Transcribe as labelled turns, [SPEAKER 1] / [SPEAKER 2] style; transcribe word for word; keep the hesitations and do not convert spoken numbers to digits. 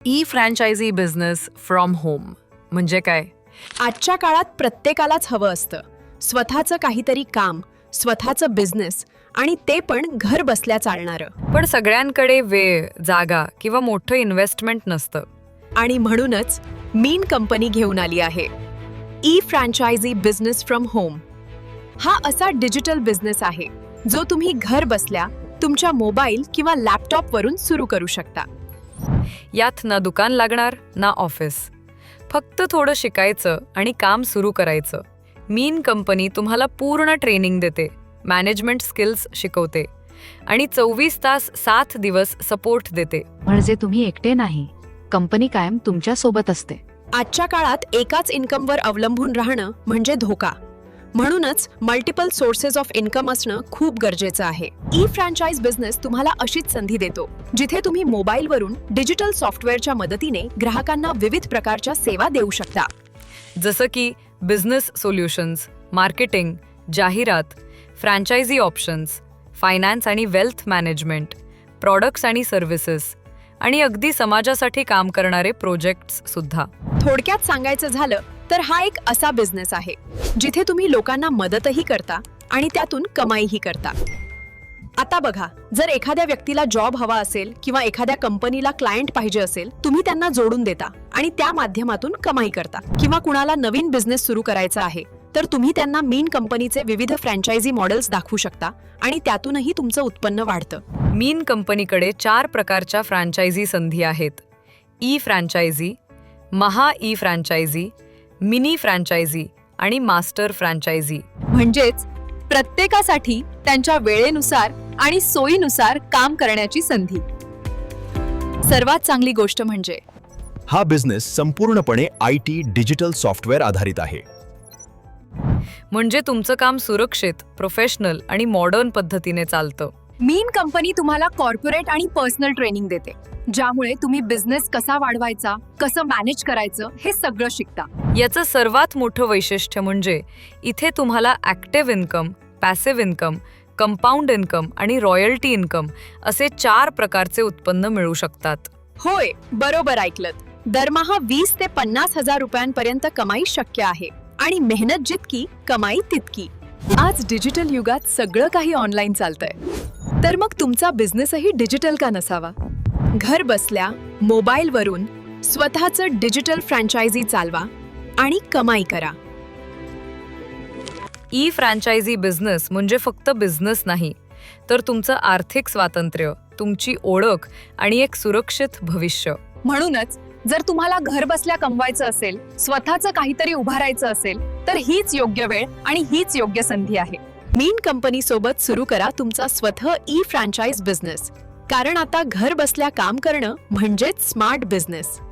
[SPEAKER 1] E franchise business from home म्हणजे काय?
[SPEAKER 2] आजच्या काळात प्रत्येकालाच हवं असतं स्वतःचं काहीतरी काम, स्वतःचं बिझनेस, आणि ते पण घर बसल्या चालणारं.
[SPEAKER 1] पण सगळ्यांकडे वेळ, जागा किंवा मोठं इन्व्हेस्टमेंट नसतं.
[SPEAKER 2] आणि म्हणूनच मीन कंपनी घेऊन आली आहे e franchise business from home. हा असा डिजिटल बिझनेस आहे जो तुम्ही घर बसल्या तुमच्या मोबाईल किंवा लॅपटॉपवरून सुरू करू शकता.
[SPEAKER 1] यात ना दुकान लागणार ना ऑफिस, फक्त थोडं शिकायचं आणि काम सुरू करायचं. मीन कंपनी तुम्हाला पूर्ण ट्रेनिंग देते, मॅनेजमेंट स्किल्स शिकवते आणि चोवीस तास सात दिवस सपोर्ट देते.
[SPEAKER 3] म्हणजे तुम्ही एकटे नाही, कंपनी कायम तुमच्या सोबत असते.
[SPEAKER 2] आजच्या काळात एकाच इन्कमवर अवलंबून राहणं म्हणजे धोका. म्हणूनच मल्टिपल सोर्सेस ऑफ इन्कम असणं खूप गरजेचं आहे. ई फ्रँचाइज बिझनेस तुम्हाला अशीच संधी देतो जिथे तुम्ही मोबाईलवरून डिजिटल सॉफ्टवेअरच्या मदतीने ग्राहकांना विविध प्रकारच्या सेवा देऊ शकता.
[SPEAKER 1] जसं की बिझनेस सोल्युशन्स, मार्केटिंग, जाहिरात, फ्रँचायझी ऑप्शन्स, फायनान्स आणि वेल्थ मॅनेजमेंट, प्रॉडक्ट्स आणि सर्व्हिसेस, आणि अगदी समाजासाठी काम करणारे प्रोजेक्ट्स सुद्धा.
[SPEAKER 2] थोडक्यात सांगायचं झालं तर हा एक असा बिझनेस आहे जिथे तुम्ही लोकांना मदतही करता आणि त्यातून कमाईही करता. आता बघा, जर एखाद्या व्यक्तीला जॉब हवा असेल किंवा एखाद्या कंपनीला क्लायंट पाहिजे असेल, तुम्ही त्यांना जोडून देता आणि त्या माध्यमातून कमाई करता. किंवा कुणाला नवीन बिझनेस सुरू करायचा आहे तर तुम्ही त्यांना मीन कंपनीचे विविध फ्रँचायझी मॉडेल्स दाखवू शकता आणि त्यातूनही तुमचं उत्पन्न वाढतं.
[SPEAKER 1] मीन कंपनीकडे चार प्रकारच्या फ्रँचायझी संधी आहेत: ई फ्रँचायझी, महा ई फ्रँचायझी, मिनी फ्रँचायझी आणि मास्टर फ्रँचायझी.
[SPEAKER 2] म्हणजेच प्रत्येकासाठी त्यांच्या वेळेनुसार आणि सोयीनुसार काम करण्याची संधी. सर्वात चांगली गोष्ट म्हणजे
[SPEAKER 4] हा बिझनेस संपूर्णपणे आय टी डिजिटल सॉफ्टवेअर आधारित आहे.
[SPEAKER 1] म्हणजे तुमचं काम सुरक्षित, प्रोफेशनल आणि मॉडर्न पद्धतीने चालतं.
[SPEAKER 2] मीन कंपनी तुम्हाला कॉर्पोरेट आणि पर्सनल ट्रेनिंग देते, ज्यामुळे तुम्ही बिझनेस कसा वाढवायचा, कसं मॅनेज करायचं हे सगळं शिकता.
[SPEAKER 1] याचं सर्वात मोठं वैशिष्ट्य म्हणजे इथे तुम्हाला active income, passive income, compound income आणि रॉयल्टी इन्कम असे चार प्रकारचे उत्पन्न मिळू शकतात.
[SPEAKER 2] होय, बरोबर ऐकलत. दरमहा वीस ते पन्नास हजार रुपयांपर्यंत कमाई शक्य आहे आणि मेहनत जितकी, कमाई तितकी. आज डिजिटल युगात सगळं काही ऑनलाईन चालतंय, तर मग तुमचा बिझनेसही डिजिटल का नसावा? घर बसल्या मोबाईलवरून स्वतःचं डिजिटल फ्रँचायझी चालवा आणि कमाई करा.
[SPEAKER 1] ई फ्रँचायझी बिझनेस म्हणजे फक्त बिझनेस नाही, तर तुमचं आर्थिक स्वातंत्र्य, तुमची ओळख आणि एक सुरक्षित भविष्य.
[SPEAKER 2] म्हणूनच जर तुम्हाला घर बसल्या कमवायचं असेल, स्वतःचं काहीतरी उभारायचं असेल, तर हीच योग्य वेळ आणि हीच योग्य संधी आहे. मीन कंपनी सोबत सुरू करा तुमचा स्वतः ई फ्रँचाइज बिझनेस, कारण आता घर बसल्या काम करणं म्हणजेच स्मार्ट बिझनेस.